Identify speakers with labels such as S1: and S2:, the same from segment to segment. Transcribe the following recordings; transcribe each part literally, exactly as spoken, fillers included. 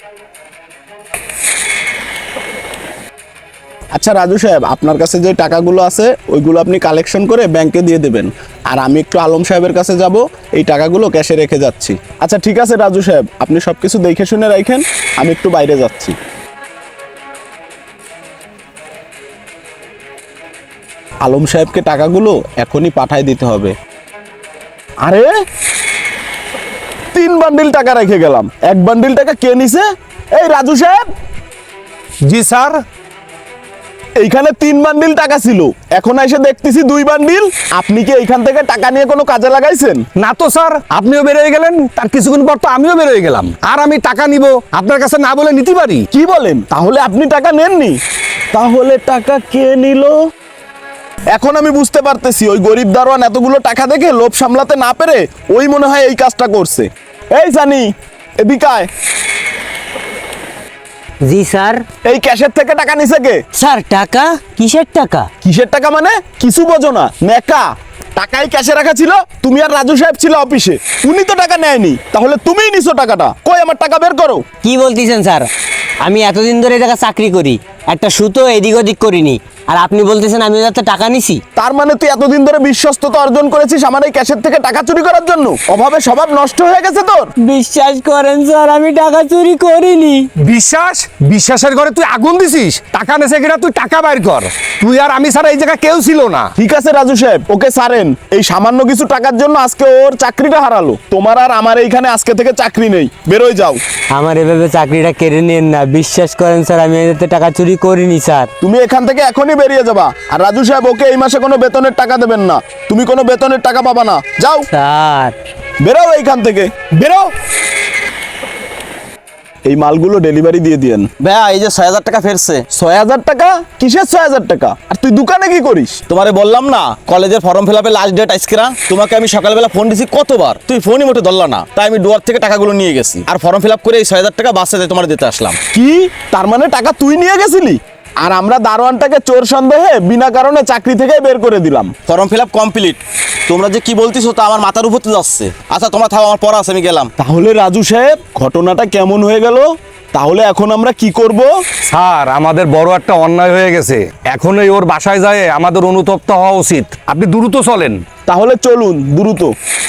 S1: আচ্ছা রাজু সাহেব, আপনার কাছে যে টাকাগুলো আছে ওইগুলো আপনি কালেকশন করে ব্যাংকে দিয়ে দেবেন, আর আমি একটু আলম সাহেবের কাছে যাব, এই টাকাগুলো ক্যাশে রেখে যাচ্ছি। আচ্ছা ঠিক আছে রাজু সাহেব, আপনি সব কিছু দেখে শুনে রাখেন, আমি একটু বাইরে যাচ্ছি। আলম সাহেবকে টাকাগুলো এখনই পাঠায় দিতে হবে। আরে তিন বান্ডিল টাকা রেখে গেলাম, এক বান্ডিল টাকা কে নিছে? এই রাজু সাহেব।
S2: জি স্যার।
S1: এইখানে তিন বান্ডিল টাকা ছিল, এখন এসে দেখতেছি দুই বান্ডিল। আপনি কি এইখান থেকে টাকা নিয়ে কোনো কাজে লাগাইছেন?
S2: না তো স্যার, আপনিও বেরোয় গেলেন, তার কিছুক্ষণ পর তো আমিও বেরোয় গেলাম। আর আমি টাকা নিব আপনার কাছে না বলে নিতে পারি?
S1: কি বলেন? তাহলে আপনি টাকা নেননি? তাহলে টাকা কে নিল? এখন আমি বুঝতে পারতেছি, ওই গরিব দারোয়ান এতগুলো টাকা দেখে লোভ সামলাতে না পেরে ওই মনে হয় এই কাজটা করছে। এই সানি, এদিকে আয়।
S3: জি স্যার।
S1: এই ক্যাশের থেকে টাকা নিছে কে?
S3: স্যার টাকা? কিসের টাকা?
S1: কিসের টাকা মানে? কিছু বোঝো না নেকা। টাকাই ক্যাশে রাখা ছিল, তুমি আর রাজু সাহেব ছিল অফিসে, উনি তো টাকা নেয়নি, তাহলে তুমিই নিছো টাকাটা। কই আমার টাকা বের করো।
S3: কি বলতেছেন স্যার? আমি এতদিন ধরে এই জায়গায় চাকরি করি, একটা সুতো এদিক ওদিক করিনি, আর আপনি বলতেছেন আমি যাতে টাকা নিছি?
S1: তার মানে তুই এতদিন ধরে বিশ্বস্ততা অর্জন করেছিস আমার এই ক্যাশের থেকে টাকা চুরি করার জন্য? অভাবে স্বভাব নষ্ট হয়ে গেছে তোর।
S3: বিশ্বাস করেন স্যার, আমি টাকা চুরি করিনি।
S2: বিশ্বাস? বিশ্বাসের ঘরে তুই আগুন দিছিস? টাকা নেছে কিনা তুই টাকা বাইর কর। তুই আর আমি ছাড়া এই জায়গায় কেউ ছিল না।
S1: ঠিক আছে রাজু সাহেব, ওকে সারেন। এই সামান্য কিছু টাকার জন্য আজকে ওর চাকরিটা হারালো। তোমার আর আমার এইখানে আজকে থেকে চাকরি নেই, বেরোয় যাও।
S3: আমার এভাবে চাকরিটা কেড়ে নিন না, বিশ্বাস করেন স্যার, আমি এতে টাকা চুরি করিনি স্যার।
S1: তুমি এখান থেকে এখনই বেরিয়ে যাবা। আর রাজু সাহেব, ওকে এই মাসে কোনো বেতনের টাকা দেবেন না, তুমি কোনো বেতনের টাকা পাবা না, যাও।
S3: স্যার
S1: বেরো এইখান থেকে, বেরো। এই মালগুলো ডেলিভারি দিয়ে দিয়েন।
S4: ভাইয়া এই যে ছয় হাজার টাকা ফেরছে।
S1: ছয় হাজার টাকা? কিসের ছয় হাজার টাকা? আর তুই দোকানে কি করিস?
S4: তোমারে বললাম না কলেজের ফর্ম ফিল আপের লাস্ট ডেট আজকে না? তোমাকে আমি সকালবেলা ফোন দিছি কতবার, তুই ফোনই মোটে ধরলা না, তাই আমি ডুয়ার থেকে টাকাগুলো নিয়ে গেছি আর ফর্ম ফিল আপ করে এই ছয় হাজার টাকা বাসে তোমার দিতে আসলাম।
S1: কি? তার মানে টাকা তুই নিয়ে গেছিলি, আর আমরা দারোয়ানটাকে চোর সন্দেহে বিনা কারণে চাকরি থেকে বের করে দিলাম।
S4: Form fill up complete. তোমরা যে কি বলতেছো তা আমার মাথার উপর যাচ্ছে। আচ্ছা তোমরা থাও, আমার পড়া আছে, আমি গেলাম।
S1: তাহলে রাজু সাহেব, ঘটনাটা কেমন হয়ে গেল? তাহলে এখন আমরা কি করব?
S2: স্যার আমাদের বড় একটা অন্যায় হয়ে গেছে, এখনই ওর বাসায় যায় আমাদের অনুতপ্ত হওয়া উচিত। আপনি দ্রুত চলেন।
S1: তাহলে চলুন দ্রুত।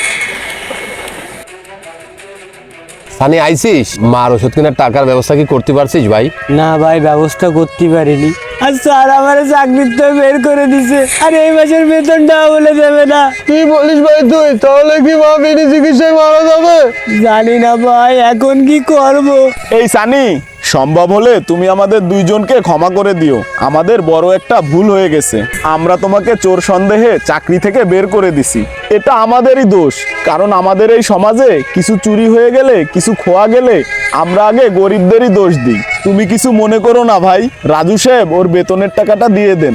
S5: সানি আইসিস? মার ওষুধ কেনার টাকার ব্যবস্থা কি করতে পারছিস ভাই?
S3: না ভাই, ব্যবস্থা করতে পারিনি। আর স্যার আমার চাকরিতে বের করে দিছে, আর এই মাসের বেতনটাও বলে দেবে না।
S5: কি বলিস ভাই তুই? তাহলে কি মা বিনা চিকিৎসায় মারা যাবে?
S3: জানি না ভাই, এখন কি করব।
S1: এই সানি, সম্ভব হলে তুমি আমাদের দুইজনকে ক্ষমা করে দিও, আমাদের বড় একটা ভুল হয়ে গেছে। আমরা তোমাকে চোর সন্দেহে চাকরি থেকে বের করে দিছি, এটা আমাদেরই দোষ। কারণ আমাদের এই সমাজে কিছু চুরি হয়ে গেলে, কিছু খোয়া গেলে আমরা আগে গরিবদেরই দোষ দিই। তুমি কিছু মনে করো না ভাই। রাজু সাহেব, ওর বেতনের টাকাটা দিয়ে দেন।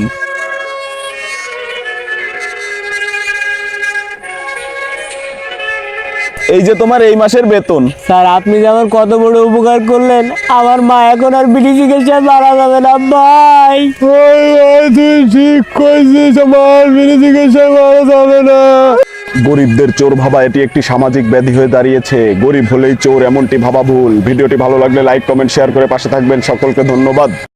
S1: এই যে তোমার এই মাসের বেতন।
S3: স্যার আপনি যে আমার কত বড় উপকার করলেন, আমার মা এখন আর বিড়ি চিকিৎসায় মারা যাবে না ভাই।
S5: তুই ঠিক কইছিস, আমার বিনা চিকিৎসায় মারা যাবে না।
S1: গরিবদের চোর ভাবা এটি একটি সামাজিক ব্যাধি হয়ে দাঁড়িয়েছে। গরিব হলেই চোর এমনটি ভাবা ভুল। ভিডিওটি ভালো লাগলে লাইক, কমেন্ট, শেয়ার করে পাশে থাকবেন। সকলকে ধন্যবাদ।